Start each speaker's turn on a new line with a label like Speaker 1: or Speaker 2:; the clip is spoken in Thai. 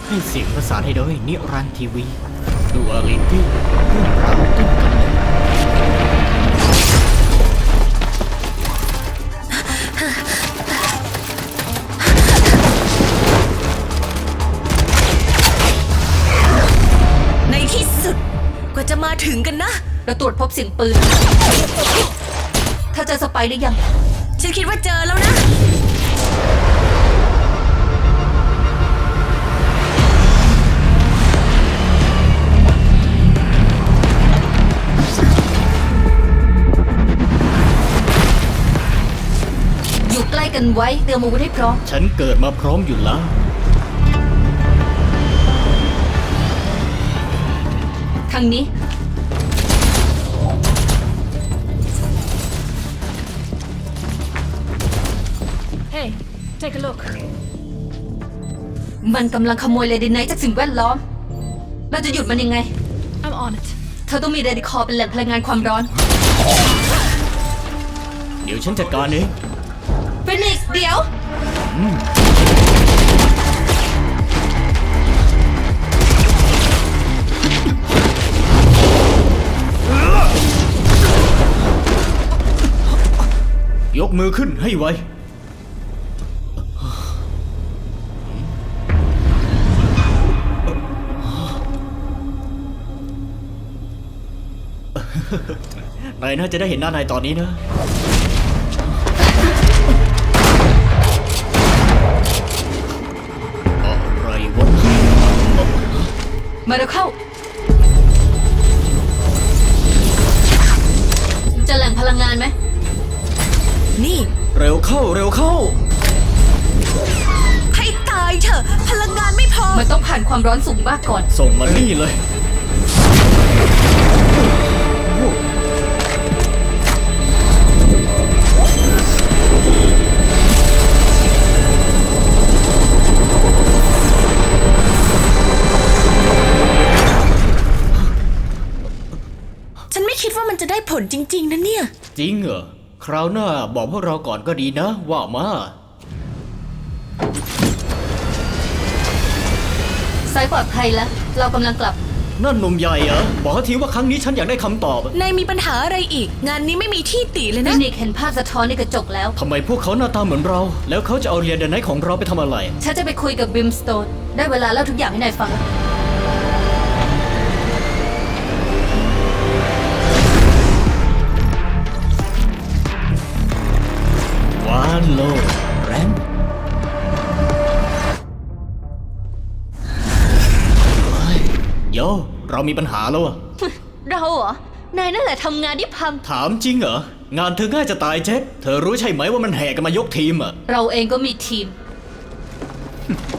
Speaker 1: ให้เสียงประสานให้โดยนิรันดร์ทีวีดูอาลิตี้เรื่องราวต้นกำเนิด
Speaker 2: ในที่สุดกว่าจะมาถึงกันนะ
Speaker 3: เราตรวจพบเสียงปืนถ้าเจอสไปร์หรือยัง
Speaker 2: ฉันคิดว่าเจอแล้วนะ
Speaker 3: อยู่ใกล้กันไว้เตรียมอาวุธให้พร้อม
Speaker 1: ฉันเกิดมาพร้อมอยู่แล้ว
Speaker 3: ทางนี้
Speaker 4: Hey, take a look.
Speaker 3: มันกำลังขโมยเรดิไนท์จากสิ่งแวดล้อม เราจะหยุดมันยังไง
Speaker 4: I'm on it.
Speaker 3: เธอต้องมีเรดิคอร์เป็นแหล่งพลังงานความร้อน
Speaker 1: เดี๋ยวฉันจัดการเอง
Speaker 3: ฟินิกซ์เดี๋ยว
Speaker 1: ยกมือขึ้นให้ไว นายน่าจะได้เห็นหน้านายตอนนี้นะ อะไรวะ
Speaker 3: มาเร็วเข้า เจะแหล่งพลังงานไหม
Speaker 2: นี่
Speaker 1: เร็วเข้าเร็วเข้า
Speaker 2: ให้ตายเถอะพลังงานไม่พอ
Speaker 3: มันต้องผ่านความร้อนสูงมากก่อน
Speaker 1: ส่งมานี่เลย
Speaker 2: ฉันไม่คิดว่ามันจะได้ผลจริงๆนะเนี่ย
Speaker 1: จริงเหรอ คราวหน้าบอกพวกเราก่อนก็ดีนะ ว่ามา
Speaker 3: สายปลอดภัยแล้ว เรากำลังกลับ
Speaker 1: นั่นหนุ่มใหญ่เหรอ บอกเขาทีว่าครั้งนี้ฉันอยากได้คำตอบ
Speaker 2: นายมีปัญหาอะไรอีก งานนี้ไม่มีที่ติเลย
Speaker 3: ฟิ
Speaker 2: นะ
Speaker 3: นิกซ์เห็นภาพสะท้อนในกระจกแล้ว
Speaker 1: ทำไมพวกเขาหน้าตาเหมือนเรา แล้วเขาจะเอาเรียนเดนไนท์ของเราไปทำอะไร
Speaker 3: ฉันจะไปคุยกับบิมสโตน ได้เวลาเล่าทุกอย่างให้นายฟังแล้ว
Speaker 1: วานโลแรนเฮ้ยโย เรามีปัญหาแล้วอะ
Speaker 3: เราเหรอ นายนั่นแหละทำงานที่พัง
Speaker 1: ถามจริงเหรอ งานเธอง่ายจะตายเจ็ดเธอรู้ใช่ไหมว่ามันแห่กันมายกทีมอะ
Speaker 3: เราเองก็มีทีม